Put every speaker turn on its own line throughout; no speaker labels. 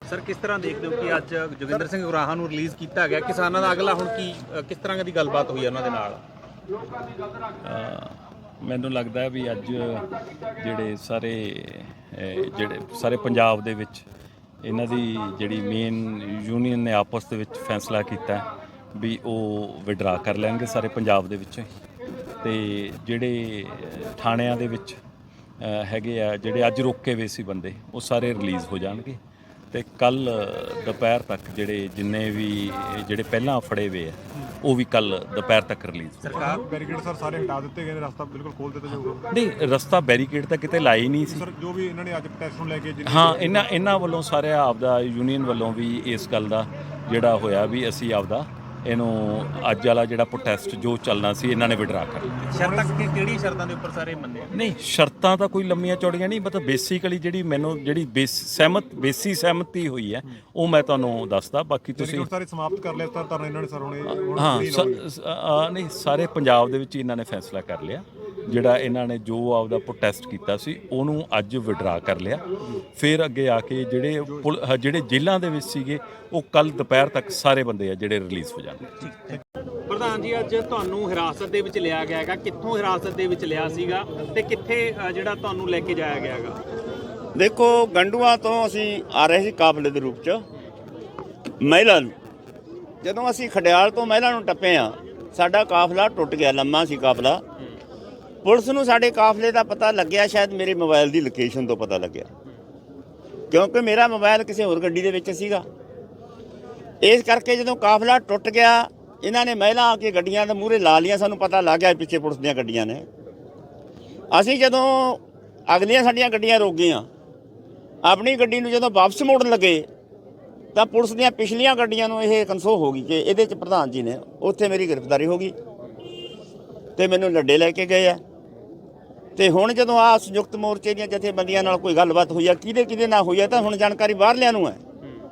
Sir ਕਿਸ ਤਰ੍ਹਾਂ ਦੇਖਦੇ ਹੋ ਕਿ ਅੱਜ ਜੋਗਿੰਦਰ ਸਿੰਘ ਉਰਾਹਾ ਨੂੰ ਰਿਲੀਜ਼ ਕੀਤਾ ਗਿਆ, ਕਿਸਾਨਾਂ ਦਾ ਅਗਲਾ ਹੁਣ ਕੀ ਕਿਸ ਤਰ੍ਹਾਂ ਦੀ ਗੱਲਬਾਤ ਹੋਈ ਉਹਨਾਂ ਦੇ ਨਾਲ?
ਮੈਨੂੰ ਲੱਗਦਾ ਵੀ ਅੱਜ ਜਿਹੜੇ ਸਾਰੇ ਪੰਜਾਬ ਦੇ ਵਿੱਚ ਇਹਨਾਂ ਦੀ ਜਿਹੜੀ ਮੇਨ ਯੂਨੀਅਨ ਨੇ ਆਪਸ ਦੇ ਵਿੱਚ ਫੈਸਲਾ ਕੀਤਾ ਵੀ ਉਹ ਵਿਡਰਾ ਕਰ ਲੈਣਗੇ ਸਾਰੇ ਪੰਜਾਬ ਦੇ ਵਿੱਚ। ਤੇ ਜਿਹੜੇ ਥਾਣਿਆਂ ਦੇ ਵਿੱਚ ਹੈਗੇ ਆ, ਜਿਹੜੇ ਅੱਜ ਰੋਕੇ ਹੋਏ ਸੀ ਬੰਦੇ, ਉਹ ਸਾਰੇ ਰਿਲੀਜ਼ ਹੋ ਜਾਣਗੇ। ਤੇ ਕੱਲ ਦੁਪਹਿਰ ਤੱਕ ਜਿੰਨੇ ਵੀ ਪਹਿਲਾਂ ਫੜੇ ਹੋਏ ਆ ਉਹ ਵੀ ਕੱਲ ਦੁਪਹਿਰ ਤੱਕ ਰਿਲੀਜ਼।
ਸਰਕਾਰ ਬੈਰੀਕੇਡ ਸਰ ਸਾਰੇ ਹਟਾ ਦਿੱਤੇ ਗਏ ਨੇ, ਰਸਤਾ ਬਿਲਕੁਲ ਖੋਲ ਦਿੱਤਾ ਜਾਊਗਾ?
ਨਹੀਂ, ਰਸਤਾ ਬੈਰੀਕੇਡ ਤਾਂ ਕਿਤੇ ਲਾਇਆ ਹੀ ਨਹੀਂ ਸੀ
ਸਰ। ਜੋ ਵੀ ਇਹਨਾਂ ਨੇ ਅੱਜ ਪ੍ਰੋਟੈਸਟ ਨੂੰ ਲੈ ਕੇ
ਹਾਂ, ਇਹਨਾਂ ਵੱਲੋਂ ਸਾਰੇ ਆਪਦਾ ਯੂਨੀਅਨ ਵੱਲੋਂ ਵੀ ਇਸ ਗੱਲ ਦਾ ਜਿਹੜਾ ਹੋਇਆ ਵੀ ਅਸੀਂ ਆਪਦਾ ਇਹਨੂੰ ਅੱਜ ਵਾਲਾ ਜਿਹੜਾ ਪ੍ਰੋਟੈਸਟ ਜੋ ਚੱਲਣਾ ਸੀ ਇਹਨਾਂ ਨੇ ਵਿਡਰਾ ਕਰ ਲਿਆ।
ਸ਼ਰਤਾਂ ਕਿਹੜੀ ਸ਼ਰਤਾਂ ਦੇ ਉੱਪਰ ਸਾਰੇ ਮੰਨੇ?
ਨਹੀਂ, ਸ਼ਰਤਾਂ ਤਾਂ ਕੋਈ ਲੰਮੀਆਂ ਚੌੜੀਆਂ ਨਹੀਂ, ਮਤਲਬ ਬੇਸਿਕਲੀ ਜਿਹੜੀ ਬੇਸੀ ਸਹਿਮਤੀ ਹੋਈ ਹੈ ਉਹ ਮੈਂ ਤੁਹਾਨੂੰ ਦੱਸਦਾ। ਬਾਕੀ ਤੁਸੀਂ
ਸਾਰੇ ਸਮਾਪਤ ਕਰ ਲਿਆ ਤਾਂ ਇਹਨਾਂ ਨੇ ਸਰ ਹੁਣੇ?
ਹਾਂ, ਨਹੀਂ, ਸਾਰੇ ਪੰਜਾਬ ਦੇ ਵਿੱਚ ਇਹਨਾਂ ਨੇ ਫੈਸਲਾ ਕਰ ਲਿਆ। ਜਿਹੜਾ ਇਹਨਾਂ ਨੇ ਜੋ ਆਪਦਾ ਪ੍ਰੋਟੈਸਟ ਕੀਤਾ ਸੀ ਉਹਨੂੰ ਅੱਜ ਵਿਡਰਾ ਕਰ ਲਿਆ। ਫਿਰ ਅੱਗੇ ਆ ਕੇ ਜਿਹੜੇ ਜੇਲ੍ਹਾਂ ਦੇ ਵਿੱਚ ਸੀਗੇ ਉਹ ਕੱਲ ਦੁਪਹਿਰ ਤੱਕ ਸਾਰੇ ਬੰਦੇ ਆ ਜਿਹੜੇ ਰਿਲੀਜ਼ ਹੋ ਜਾਣਗੇ।
ਪ੍ਰਧਾਨ ਜੀ, ਅੱਜ ਤੁਹਾਨੂੰ ਹਿਰਾਸਤ ਦੇ ਵਿੱਚ ਲਿਆ ਗਿਆ ਹੈਗਾ, ਕਿੱਥੋਂ ਹਿਰਾਸਤ ਦੇ ਵਿੱਚ ਲਿਆ ਸੀਗਾ ਤੇ ਕਿੱਥੇ ਜਿਹੜਾ ਤੁਹਾਨੂੰ ਲੈ ਕੇ ਜਾਇਆ ਗਿਆ ਹੈਗਾ?
ਦੇਖੋ, ਗੰਡੂਆਂ ਤੋਂ ਅਸੀਂ ਆ ਰਹੇ ਸੀ ਕਾਫਲੇ ਦੇ ਰੂਪ 'ਚ ਮਹਿਲਾ ਨੂੰ। ਜਦੋਂ ਅਸੀਂ ਖਡਿਆਲ ਤੋਂ ਮਹਿਲਾ ਨੂੰ ਟੱਪੇ ਆ, ਸਾਡਾ ਕਾਫਲਾ ਟੁੱਟ ਗਿਆ, ਲੰਮਾ ਸੀ ਕਾਫਲਾ। ਪੁਲਿਸ ਨੂੰ ਸਾਡੇ ਕਾਫਲੇ ਦਾ ਪਤਾ ਲੱਗਿਆ, ਸ਼ਾਇਦ ਮੇਰੇ ਮੋਬਾਈਲ ਦੀ ਲੋਕੇਸ਼ਨ ਤੋਂ ਪਤਾ ਲੱਗਿਆ, ਕਿਉਂਕਿ ਮੇਰਾ ਮੋਬਾਈਲ ਕਿਸੇ ਹੋਰ ਗੱਡੀ ਦੇ ਵਿੱਚ ਸੀਗਾ। ਇਸ ਕਰਕੇ ਜਦੋਂ ਕਾਫਲਾ ਟੁੱਟ ਗਿਆ, ਇਹਨਾਂ ਨੇ ਮਹਿਲਾ ਆ ਕੇ ਗੱਡੀਆਂ ਦੇ ਮੂਹਰੇ ਲਾ ਲਈਆਂ। ਸਾਨੂੰ ਪਤਾ ਲੱਗ ਗਿਆ ਪਿੱਛੇ ਪੁਲਿਸ ਦੀਆਂ ਗੱਡੀਆਂ ਨੇ। ਅਸੀਂ ਜਦੋਂ ਅਗਲੀਆਂ ਸਾਡੀਆਂ ਗੱਡੀਆਂ ਰੁਕ ਗਈਆਂ, ਆਪਣੀ ਗੱਡੀ ਨੂੰ ਜਦੋਂ ਵਾਪਸ ਮੋੜਨ ਲੱਗੇ ਤਾਂ ਪੁਲਿਸ ਦੀਆਂ ਪਿਛਲੀਆਂ ਗੱਡੀਆਂ ਨੂੰ ਇਹ ਕਨਸੋ ਹੋ ਗਈ ਕਿ ਇਹਦੇ 'ਚ ਪ੍ਰਧਾਨ ਜੀ ਨੇ। ਉੱਥੇ ਮੇਰੀ ਗ੍ਰਿਫਤਾਰੀ ਹੋ ਗਈ ਤੇ ਮੈਨੂੰ ਲੱਡੇ ਲੈ ਕੇ ਗਏ ਆ। ਤੇ ਹੁਣ ਜਦੋਂ ਆ ਸੰਯੁਕਤ ਮੋਰਚੇ ਦੀਆਂ ਜਥੇਬੰਦੀਆਂ ਨਾਲ ਕੋਈ ਗੱਲਬਾਤ ਹੋਈ ਆ, ਕਿਹਦੇ ਨਾਲ ਹੋਈ ਆ, ਤਾਂ ਹੁਣ ਜਾਣਕਾਰੀ ਬਾਹਰਲਿਆਂ ਨੂੰ ਹੈ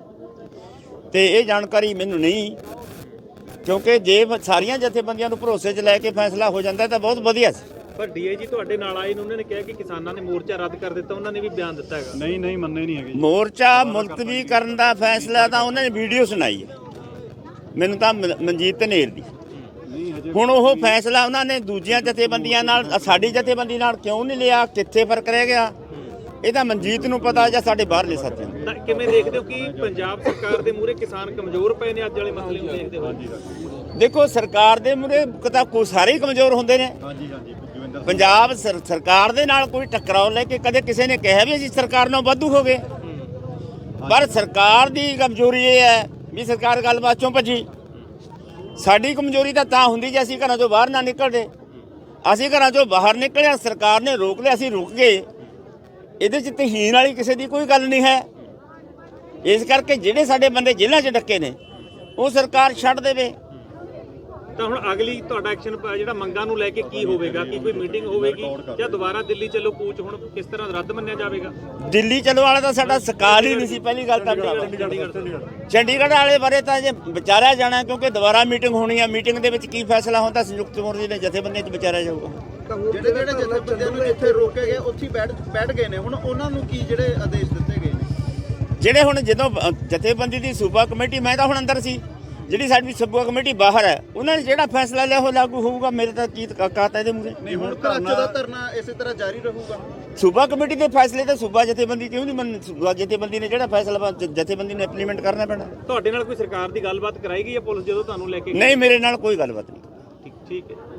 ਤੇ ਇਹ ਜਾਣਕਾਰੀ ਮੈਨੂੰ ਨਹੀਂ। ਕਿਉਂਕਿ ਜੇ ਸਾਰੀਆਂ ਜਥੇਬੰਦੀਆਂ ਨੂੰ ਭਰੋਸੇ 'ਚ ਲੈ ਕੇ ਫੈਸਲਾ ਹੋ ਜਾਂਦਾ ਤਾਂ ਬਹੁਤ ਵਧੀਆ ਸੀ।
ਪਰ ਡੀਆਈਜੀ ਤੁਹਾਡੇ ਨਾਲ ਆਏ ਨੇ, ਉਹਨਾਂ ਨੇ ਕਿਹਾ ਕਿ ਕਿਸਾਨਾਂ ਨੇ ਮੋਰਚਾ ਰੱਦ ਕਰ ਦਿੱਤਾ। ਉਹਨਾਂ ਨੇ ਵੀ ਬਿਆਨ ਦਿੱਤਾ ਹੈਗਾ।
ਨਹੀਂ ਮੰਨੇ ਨਹੀਂ ਹੈਗੇ।
ਮੋਰਚਾ ਮੁਲਤਵੀ ਕਰਨ ਦਾ ਫੈਸਲਾ ਤਾਂ ਉਹਨਾਂ ਨੇ ਵੀਡੀਓ ਸੁਣਾਈ ਹੈ ਮੈਨੂੰ, ਤਾਂ ਮਨਜੀਤ ਧਨੇਰ ਦੀ। ਹੁਣ ਉਹ ਫੈਸਲਾ ਉਹਨਾਂ ਨੇ ਦੂਜੀਆਂ ਜਥੇਬੰਦੀਆਂ ਨਾਲ, ਸਾਡੀ ਜਥੇਬੰਦੀ ਨਾਲ ਕਿਉਂ ਨਹੀਂ ਲਿਆ? ਕਿੱਥੇ ਫਰਕ ਰਹਿ ਗਿਆ? ਇਹ ਤਾਂ ਮਨਜੀਤ ਨੂੰ ਪਤਾ ਜਾਂ ਸਾਡੇ ਬਾਹਰਲੇ ਸਾਥੀਆਂ ਨੂੰ।
ਤਾਂ ਕਿਵੇਂ ਦੇਖਦੇ ਹੋ ਕਿ ਪੰਜਾਬ ਸਰਕਾਰ ਦੇ ਮੂਹਰੇ ਕਿਸਾਨ ਕਮਜ਼ੋਰ ਪਏ ਨੇ ਅੱਜ ਵਾਲੇ ਮਸਲੇ ਨੂੰ ਦੇਖਦੇ ਹੋ?
ਦੇਖੋ, ਸਰਕਾਰ ਦੇ ਮੂਹਰੇ ਤਾਂ ਕੋਈ ਸਾਰੇ ਹੀ ਕਮਜ਼ੋਰ ਹੁੰਦੇ ਨੇ। ਪੰਜਾਬ ਸਰਕਾਰ ਦੇ ਨਾਲ ਕੋਈ ਟਕਰਾਓ ਲੈ ਕੇ ਕਦੇ ਕਿਸੇ ਨੇ ਕਿਹਾ ਵੀ ਅਸੀਂ ਸਰਕਾਰ ਨਾਲ ਵਾਧੂ ਹੋ ਗਏ? ਪਰ ਸਰਕਾਰ ਦੀ ਕਮਜ਼ੋਰੀ ਇਹ ਹੈ ਵੀ ਸਰਕਾਰ ਗੱਲਬਾਤ ਚੋਂ ਭੱਜੀ। ਸਾਡੀ ਕਮਜ਼ੋਰੀ ਤਾਂ ਹੁੰਦੀ ਜੇ ਅਸੀਂ ਘਰਾਂ ਚੋਂ ਬਾਹਰ ਨਾ ਨਿਕਲਦੇ। ਅਸੀਂ ਘਰਾਂ ਚੋਂ ਬਾਹਰ ਨਿਕਲਿਆ, ਸਰਕਾਰ ਨੇ ਰੋਕ ਲਿਆ, ਅਸੀਂ ਰੁਕ ਗਏ। ਇਹਦੇ 'ਚ ਤਹੀਨ ਵਾਲੀ ਕਿਸੇ ਦੀ ਕੋਈ ਗੱਲ ਨਹੀਂ ਹੈ। ਇਸ ਕਰਕੇ ਜਿਹੜੇ ਸਾਡੇ ਬੰਦੇ ਜੇਲ੍ਹਾਂ 'ਚ ਡੱਕੇ ਨੇ ਉਹ ਸਰਕਾਰ ਛੱਡ ਦੇਵੇ।
ਤਾਂ ਹੁਣ ਅਗਲੀ ਤੁਹਾਡਾ ਐਕਸ਼ਨ ਜਿਹੜਾ ਮੰਗਾਂ ਨੂੰ ਲੈ ਕੇ ਕੀ ਹੋਵੇਗਾ? ਕੀ ਕੋਈ ਮੀਟਿੰਗ ਹੋਵੇਗੀ ਜਾਂ ਦੁਬਾਰਾ ਦਿੱਲੀ ਚੱਲੋ ਕੂਚ ਹੁਣ ਕਿਸ ਤਰ੍ਹਾਂ ਰੱਦ ਮੰਨਿਆ ਜਾਵੇਗਾ?
ਦਿੱਲੀ ਚੱਲੋ ਵਾਲਾ ਤਾਂ ਸਾਡਾ ਸਕਾਲ ਹੀ ਨਹੀਂ ਸੀ ਪਹਿਲੀ ਗੱਲ ਤਾਂ। ਚੰਡੀਗੜ੍ਹ ਵਾਲੇ ਬਾਰੇ ਤਾਂ ਜੇ ਵਿਚਾਰਿਆ ਜਾਣਾ, ਕਿਉਂਕਿ ਦੁਬਾਰਾ ਮੀਟਿੰਗ ਹੋਣੀ ਆ। ਮੀਟਿੰਗ ਦੇ ਵਿੱਚ ਕੀ ਫੈਸਲਾ ਹੁੰਦਾ ਸੰਯੁਕਤ ਮੋਰਚੇ ਦੇ ਜਥੇਬੰਦੀਆਂ 'ਚ ਵਿਚਾਰਿਆ ਜਾਊਗਾ।
ਜਿਹੜੇ ਜਥੇਬੰਦੀਆਂ ਨੂੰ ਇੱਥੇ ਰੋਕੇ ਗਏ ਉੱਥੇ ਬੈਠ ਗਏ ਨੇ, ਹੁਣ ਉਹਨਾਂ ਨੂੰ ਕੀ ਜਿਹੜੇ ਆਦੇਸ਼ ਦਿੱਤੇ ਗਏ ਨੇ?
ਜਿਹੜੇ ਹੁਣ ਜਦੋਂ ਜਥੇਬੰਦੀ ਦੀ ਸੂਬਾ ਕਮੇਟੀ, ਮੈਂ ਤਾਂ ਹੁਣ ਅੰਦਰ ਸੀ, ਜਿਹੜੀ ਸਾਡੀ ਸੂਬਾ ਕਮੇਟੀ ਬਾਹਰ ਹੈ, ਉਹਨਾਂ ਨੇ ਜਿਹੜਾ ਫੈਸਲਾ ਲਿਆ ਉਹ ਲਾਗੂ ਹੋਊਗਾ। ਮੇਰੇ ਤਾਂ ਕੀ ਕਾਤਾ ਇਹਦੇ ਮੂਹਰੇ?
ਨਹੀਂ, ਹੁਣ ਦਾ ਧਰਨਾ ਇਸੇ ਤਰ੍ਹਾਂ ਜਾਰੀ ਰਹੂਗਾ।
ਸੂਬਾ ਕਮੇਟੀ ਦੇ ਫੈਸਲੇ ਤਾਂ ਸੂਬਾ ਜਥੇਬੰਦੀ ਕਿਉਂ ਨਹੀਂ ਮੰਨ? ਸੂਬਾ ਜਥੇਬੰਦੀ ਨੇ ਜਿਹੜਾ ਫੈਸਲਾ ਜਥੇਬੰਦੀ ਨੂੰ ਇੰਪਲੀਮੈਂਟ ਕਰਨਾ ਪੈਣਾ।
ਤੁਹਾਡੇ ਨਾਲ ਕੋਈ ਸਰਕਾਰ ਦੀ ਗੱਲਬਾਤ ਕਰਾਈ ਗਈ ਹੈ ਪੁਲਿਸ ਜਦੋਂ ਤੁਹਾਨੂੰ ਲੈ ਕੇ?
ਨਹੀਂ, ਮੇਰੇ ਨਾਲ ਕੋਈ ਗੱਲਬਾਤ ਨਹੀਂ।
ਠੀਕ ਹੈ।